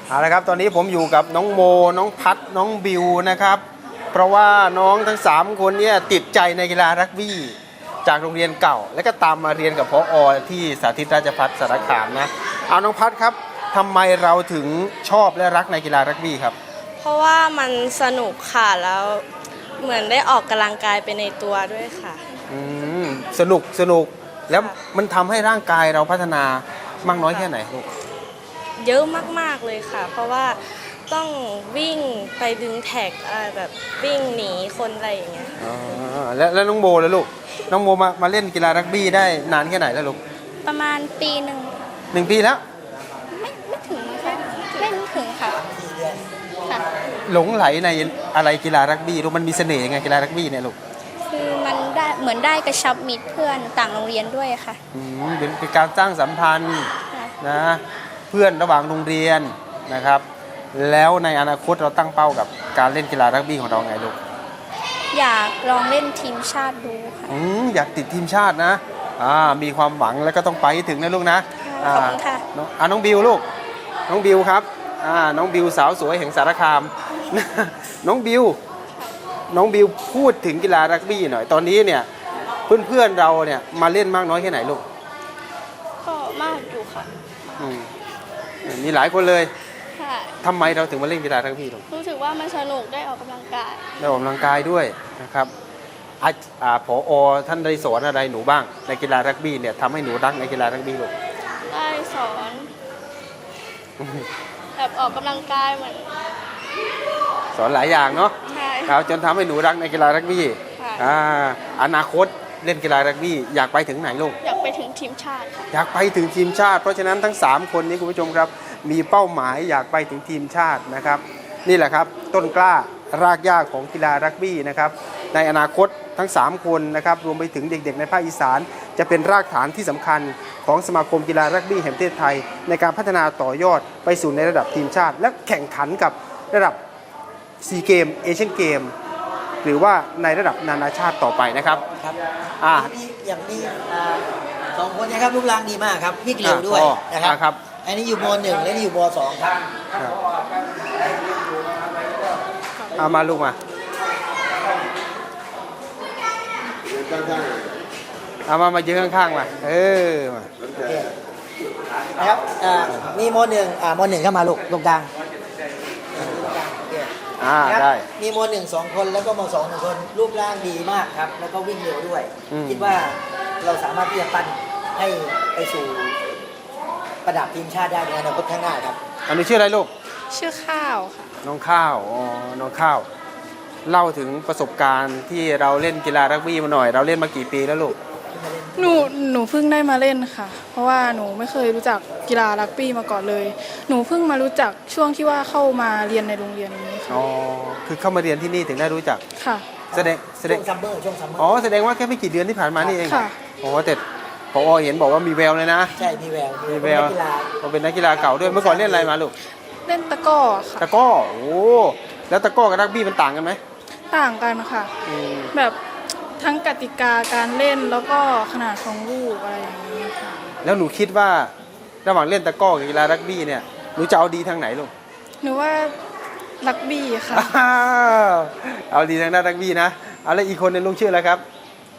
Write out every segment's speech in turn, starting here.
เอาละครับตอนนี้ผมอยู่กับน้องโมน้องพัดน้องบิวนะครับเพราะว่าน้องทั้ง3คนเนี่ยติดใจในกีฬารักบี้จากโรงเรียนเก่าแล้วก็ตามมาเรียนกับผอ.ที่สาธิตราชภัฏสารคามนะเอาน้องพัดครับทำไมเราถึงชอบและรักในกีฬารักบี้ครับเพราะว่ามันสนุกค่ะแล้วเหมือนได้ออกกำลังกายไปในตัวด้วยค่ะสนุกแล้วมันทำให้ร่างกายเราพัฒนามากน้อยแค่ไหนลูกเยอะมากๆเลยค่ะเพราะว่าต้องวิ่งไปดึงแท็กอะไรแบบวิ่งหนีคนอะไรอย่างเงี้ยแล้วน้องโมแล้วลูกน้องโมมาเล่นกีฬารักบี้ได้นานแค่ไหนแล้วลูกประมาณปีหนึ่ง 1 ปีแล้วไม่ถึงค่ะไม่ถึงค่ะหลงไหลในอะไรกีฬารักบี้ลูกมันมีเสน่ห์ยังไงกีฬารักบี้เนี่ยลูกคือมันได้เหมือนได้กระชับมิตรเพื่อนต่างโรงเรียนด้วยค่ะเป็นการสร้างสัมพันธ์นะเพื่อนระหว่างโรงเรียนนะครับแล้วในอนาคตเราตั้งเป้ากับการเล่นกีฬารักบี้ของเราไงลูกอยากลองเล่นทีมชาติดูค่ะอยากติดทีมชาตินะมีความหวังแล้วก็ต้องไปให้ถึงนะลูกนะขอบคุณค่ะน้องบิวลูกน้องบิวครับน้องบิวสาวสวยแห่งสารคามน้องบิวพูดถึงกีฬารักบี้หน่อยตอนนี้เนี่ยเพื่อนเราเนี่ยมาเล่นมากน้อยแค่ไหนลูกก็มากอยู่ค่ะมีหลายคนเลยค่ะทำไมเราถึงมาเล่นกีฬารักบี้ลูกรู้สึกว่ามันสนุกได้ออกกำลังกายด้วยนะครับผอ.ท่านได้สอนอะไรหนูบ้างในกีฬารักบี้เนี่ยทำให้หนูรักในกีฬารักบี้ลูกได้สอนแบบออกกำลังกายเหมือนสอนหลายอย่างเนาะใช่ครับจนทำให้หนูรักในกีฬารักบี้อนาคตเล่นกีฬารักบี้อยากไปถึงไหนลูกอยากไปถึงทีมชาติค่ะอยากไปถึงทีมชาติเพราะฉะนั้นทั้ง3คนนี้คุณผู้ชมครับมีเป้าหมายอยากไปถึงทีมชาตินะครับนี่แหละครับต้นกล้ารากหญ้าของกีฬารักบี้นะครับในอนาคตทั้ง3คนนะครับรวมไปถึงเด็กๆในภาคอีสานจะเป็นรากฐานที่สำคัญของสมาคมกีฬารักบี้แห่งประเทศไทยในการพัฒนาต่อยอดไปสู่ในระดับทีมชาติและแข่งขันกับระดับซีเกมเอเชียนเกมหรือว่าในระดับนานาชาติต่อไปนะครับครับอย่างนี้2 คนนะครับรูปร่างดีมากครับวิ่งเร็วด้วยนะครับอันนี้อยู่ม.1และนี่อยู่ม.2ครับมาลูกมามายืนข้างๆมามานะครับมีม.1ม.1เข้ามาลูกตรงกลางได้มีม.1 2 คนแล้วก็ม.2 1 คนรูปร่างดีมากครับแล้วก็วิ่งเร็วด้วยคิดว่าเราสามารถที่จะปั้นให้ไปสู่ระดับทีมชาติได้ในอนาคตข้างหน้าครับอันนี้ชื่ออะไรลูกชื่อข้าวค่ะน้องข้าวน้องข้าวเล่าถึงประสบการณ์ที่เราเล่นกีฬารักบี้มาหน่อยเราเล่นมากี่ปีแล้วลูกหนูเพิ่งได้มาเล่นค่ะเพราะว่าหนูไม่เคยรู้จักกีฬารักบี้มาก่อนเลยหนูเพิ่งมารู้จักช่วงที่ว่าเข้ามาเรียนในโรงเรียนนี้ค่ะคือเข้ามาเรียนที่นี่ถึงได้รู้จักค่ะแสดงช่วงซัมเมอร์แสดงว่าแค่ไม่กี่เดือนที่ผ่านมานี่เองค่ะแต่ผอ.เห็นบอกว่ามีแววเลยนะใช่มีแววเป็นนักกีฬาเก่าด้วยเมื่อก่อนเล่นอะไรมาลูกเล่นตะก้อค่ะตะก้อแล้วตะก้อกับรักบี้มันต่างกันไหมต่างกันค่ะแบบทั้งกติกาการเล่นแล้วก็ขนาดของลูกอะไรอย่างนี้ค่ะแล้วหนูคิดว่าระหว่างเล่นตะก้อกับกีฬารักบี้เนี่ยหนูจะเอาดีทางไหนลูกหนูว่ารักบี้ค่ะเอาดีทางด้านรักบี้นะเอาแล้วอีกคนนึงลุงชื่ออะไรครับ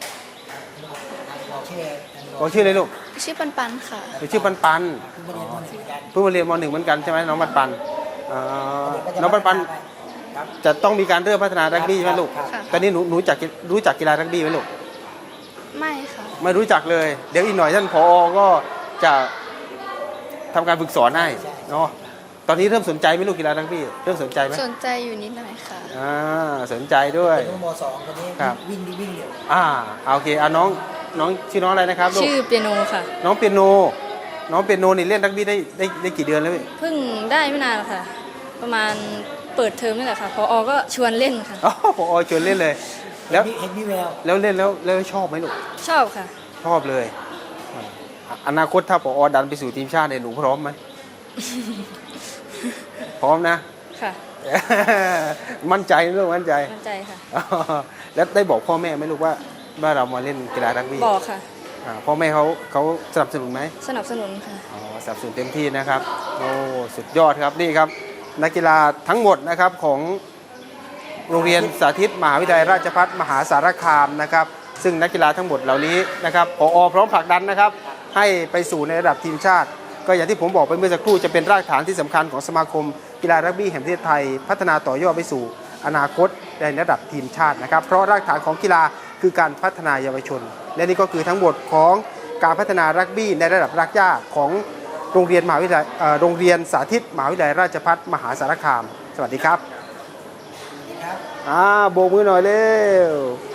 บอกชื่อเลยลูกชื่อปันปันค่ะชื่อปันปันเพิ่งมาเรียนม.1เหมือนกันใช่ไหมน้องปันปันน้องปันปันจะต้องมีการเริ่มพัฒนารักบี้ไหมลูกตอนนี้หนูรู้จักกีฬารักบี้ไหมลูกไม่ค่ะไม่รู้จักเลยเดี๋ยวอีกหน่อยท่านผอ.ก็จะทำการฝึกสอนให้เนาะตอนนี้เริ่มสนใจไหมลูกกีฬารักบี้เริ่มสนใจไหมสนใจอยู่นิดหน่อยค่ะสนใจด้วยม.2คนนี้วิ่งเร็วโอเคน้องชื่อน้องอะไรนะครับลูกชื่อเปียโนค่ะน้องเปียโนนี่เล่นรักบี้ได้กี่เดือนแล้วเพิ่งได้ไม่นานค่ะประมาณเปิดเทอมนี่แหละค่ะผอ.ก็ชวนเล่นค่ะผอ.ชวนเล่นเลยแล้วเห็นมีแววแล้วเล่นแล้วชอบไหมลูกชอบค่ะชอบเลยอนาคตถ้าผอ.ดันไปสู่ทีมชาติเนี่ยหนูพร้อมไหมพร้อมนะค่ะมั่นใจลูกมั่นใจค่ะแล้วได้บอกพ่อแม่ไหมลูกว่าเรามาเล่นกีฬารักบี้บอกค่ะพ่อแม่เขาสนับสนุนไหมสนับสนุนค่ะอ๋อสนับสนุนเต็มที่นะครับโอ้สุดยอดครับนี่ครับนักกีฬาทั้งหมดนะครับของโรงเรียนสาธิตมหาวิทยาลัยราชภัฏมหาสารคามนะครับซึ่งนักกีฬาทั้งหมดเหล่านี้นะครับผอ.พร้อมผลักดันนะครับให้ไปสู่ในระดับทีมชาติ ก็อย่างที่ผมบอกไปเมื่อสักครู่จะเป็นรากฐานที่สำคัญของสมาคมกีฬารักบี้แห่งประเทศไทยพัฒนาต่อยอดไปสู่อนาคตในระดับทีมชาตินะครับเพราะรากฐานของกีฬาคือการพัฒนาเยาวชน และนี่ก็คือทั้งหมดของการพัฒนารักบี้ในระดับรากหญ้าของโรงเรียนมหาวิทยาลัยโรงเรียนสาธิตมหาวิทยาลัยราชภัฏมหาสารคามสวัสดีครับโบกมือหน่อยเร็ว